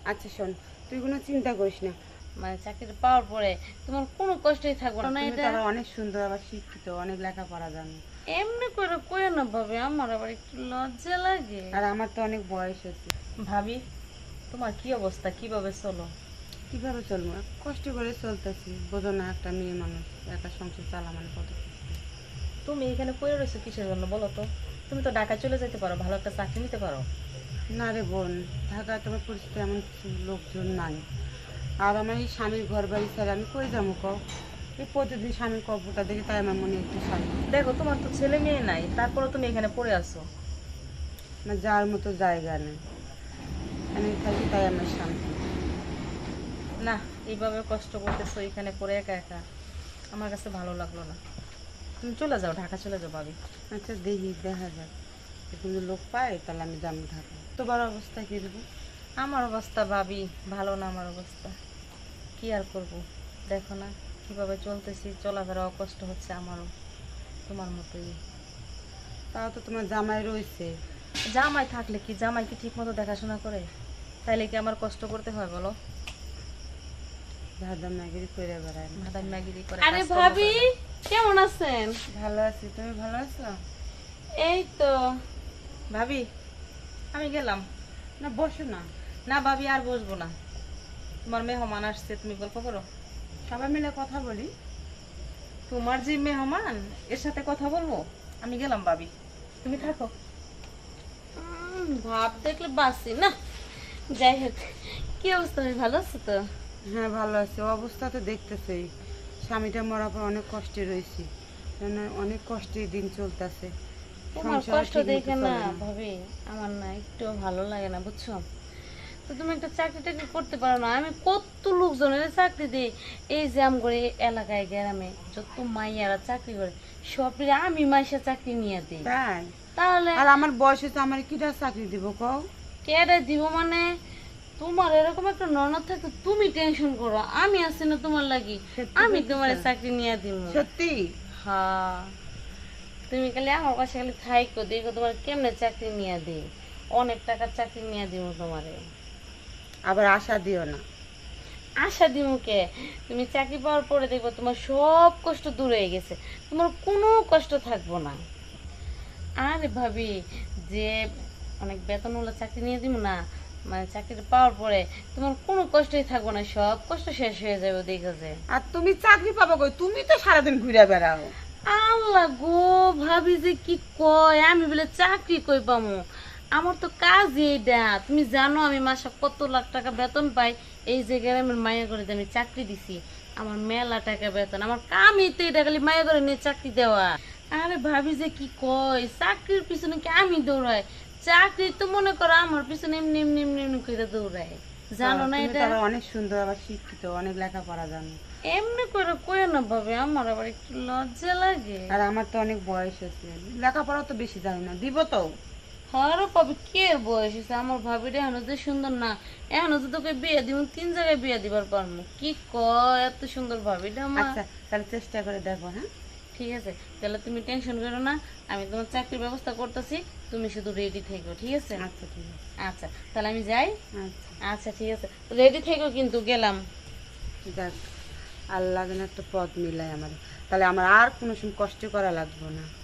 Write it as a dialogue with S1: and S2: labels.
S1: আচ্ছা শোন, তুই কোনো চিন্তা করিস না।
S2: মানে চাকরিটা পাওয়ার পরে তোমার কোনো কষ্টই থাকবে না
S1: তুমি
S2: এটা।
S1: তো আবার অনেক সুন্দর, আবার শিক্ষিত, অনেক লেখাপড়া জানো।
S2: এমনি করে কইও না ভাবি, আমার আবার একটু লজ্জা লাগে।
S1: আর আমার তো অনেক বয়স হয়েছে।
S2: ভাবি, তোমার কি অবস্থা, কিভাবে চলো?
S1: কিভাবে চলবো, কষ্ট করে চলতেছি, বোঝো না, একটা মেয়ে মানুষ, একা সংসার চালা মানে কত কষ্ট।
S2: তুমি এখানে পড়ে রয়েছো কিসের জন্য বলো তো? তুমি তো ঢাকায় চলে যেতে পারো, ভালো একটা চাকরি নিতে পারো।
S1: না রে বোন, ঢাকা তোমার পরিস্থিতি এমন কিছু লোকজন নাই। আর আমার এই স্বামীর ঘর বাড়ি ছেড়ে আমি কই যাবো কও? এই প্রতিদিন স্বামীর কবরটা দেখে তাই আমার মনে একটু শান্তি।
S2: দেখো, তোমার তো ছেলে মেয়ে নাই, তারপরে তুমি এখানে পড়ে আছো।
S1: আমার যাওয়ার মতো জায়গা নেই, আমি থাকি তাই আমার শান্তি।
S2: না, এইভাবে কষ্ট করতেছো এখানে পড়ে একা একা, আমার কাছে ভালো লাগলো না। তুমি চলে যাও, ঢাকা চলে যাও ভাবি।
S1: আচ্ছা দেখি, দেখা যাক, কিন্তু লোক পাই তাহলে আমি যাবো ঢাকা। তোমার অবস্থা কী দেবো?
S2: আমার অবস্থা ভাবি ভালো না, আমার অবস্থা কি আর করব, দেখো না কিভাবে চলতেছি, চলাফেরাও কষ্ট হচ্ছে আমারও, তোমার মতোই।
S1: তাও তো তোমার জামাই রয়েছে।
S2: জামাই থাকলে কি, জামাই কি ঠিক মতো দেখাশোনা করে? তাইলে কি আমার কষ্ট করতে হয় বলো?
S1: ভাদা ম্যাগিরি করে বেড়ায় না।
S2: ভাদাই ম্যাগিরি করে
S3: আরে
S2: কাজকর্ম
S3: ভাবি,
S2: করে না।
S3: কেমন আছেন?
S1: ভালো আছি, তুমি ভালো আছো?
S3: এই তো।
S2: ভাবি, আমি গেলাম।
S1: না বসো না,
S2: না ভাবি, আর বসবো না, তোমার মেহমান আসছে, তুমি গল্প করো।
S1: সবাই মিলে কথা বলি।
S2: তোমার যে মেহমান, এর সাথে কথা বলবো? আমি গেলাম ভাবি, তুমি থাকো।
S3: ভাব দেখলে বাসি না। যাই হোক, কি অবস্থা, ভাই ভালো আছো তো?
S1: হ্যাঁ ভালো আছি, অবস্থা তো দেখতেছি, স্বামীটা মরার পর অনেক কষ্টে রয়েছি, অনেক কষ্টে দিন চলতেছে।
S3: তোমার কষ্ট দেখে না ভাবি, আমার না একটু ভালো লাগে না, বুঝছো? তো তুমি একটা চাকরি টাকরি করতে পারো না? আমি কত লোকজনের চাকরি দিই, এই যে আম করে এলাকায় গ্রামে যত মাইয়ারা চাকরি করে, সবরে আমি মাইসা চাকরি নিয়ে দিই।
S1: তাই?
S3: তাহলে
S1: আর আমার বয়স হচ্ছে, আমার কিটা চাকরি দিব কও?
S3: কেডে দিব মানে? তোমার এরকম একটা ননদ থাকে, তুমি টেনশন করো, আমি আছি না তোমার লাগি,
S1: সত্যি
S3: আমি
S1: বলছিস?
S3: তোমার চাকরি নিয়ে দিব।
S1: সত্যি?
S3: হ্যাঁ, তুমি খালি আমার কাছে খালি থাইকো, দেখো তোমার কেমনে চাকরি নিয়ে দিই, অনেক টাকার চাকরি নিয়ে দিব তোমারে।
S1: আবার আশা দিও না।
S3: আশা দিমুকে, তুমি চাকরি পাওয়ার পরে দেখবো তোমার সব কষ্ট দূর হয়ে গেছে, তোমার কোনো কষ্ট থাকবো না। আরে ভাবি, যে অনেক বেতনওয়ালা চাকরি নিয়ে দিব না, মানে চাকরিটা পাওয়ার পরে তোমার কোনো কষ্টই থাকবো না, সব কষ্ট শেষ হয়ে যাবে দেখো যে।
S1: আর তুমি চাকরি পাবো কই? তুমি তো সারাদিন ঘুরে বেড়াও।
S3: আল্লাহ গো, ভাবি যে কি কয়, আমি বলে চাকরি কই পামু? আমার তো কাজই এইটা, তুমি জানো আমি মাসে কত লাখ টাকা বেতন পাই। এই যে গ্রামের মায়া করে আমি চাকরি দিছি, আমার মেলা টাকা বেতন, আমার কামই তো এটা, খালি মায়া করে নিয়ে চাকরি দেওয়া। আরে ভাবি যে কি কয়, চাকরির পিছনে কি আমি দৌড়াই? চাকরি তো মনে করো আমার পিছনে এমনি এমনি এমনি এমনি করে দৌড়াই, জানো না
S1: তুমি
S3: এটা?
S1: তো আবার অনেক সুন্দর, আবার শিক্ষিত, অনেক লেখাপড়া জানো।
S3: এমনি করে কয় না ভাবে, আমার আবার একটু লজ্জা লাগে।
S1: আর আমার তো অনেক বয়স হয়েছে, লেখাপড়া তো বেশি জানি না, দিব তো।
S3: আরো পাবি, কে এর বয়স হয়েছে? আমার ভাবিটা এখনো যে সুন্দর না, এখনো তো তোকে বিয়ে দিব, 3 জায়গায় বিয়ে দিবার পারবো। কি কয়, এত সুন্দর ভাবিটা আমার।
S1: আচ্ছা তাহলে চেষ্টা করে দেখো। হ্যাঁ
S3: ঠিক আছে, তাহলে তুমি টেনশন করো না, আমি তোমার চাকরির ব্যবস্থা করতেছি, তুমি শুধু রেডি থেকো, ঠিক আছে?
S1: আচ্ছা ঠিক আছে।
S3: আচ্ছা, তাহলে আমি যাই।
S1: আচ্ছা
S3: আচ্ছা ঠিক আছে, রেডি থেকো কিন্তু, গেলাম।
S1: যাক, আল্লাহ যেন একটা পথ মিলায় আমার, তাহলে আমার আর কোনো সময় কষ্ট করা লাগবে না।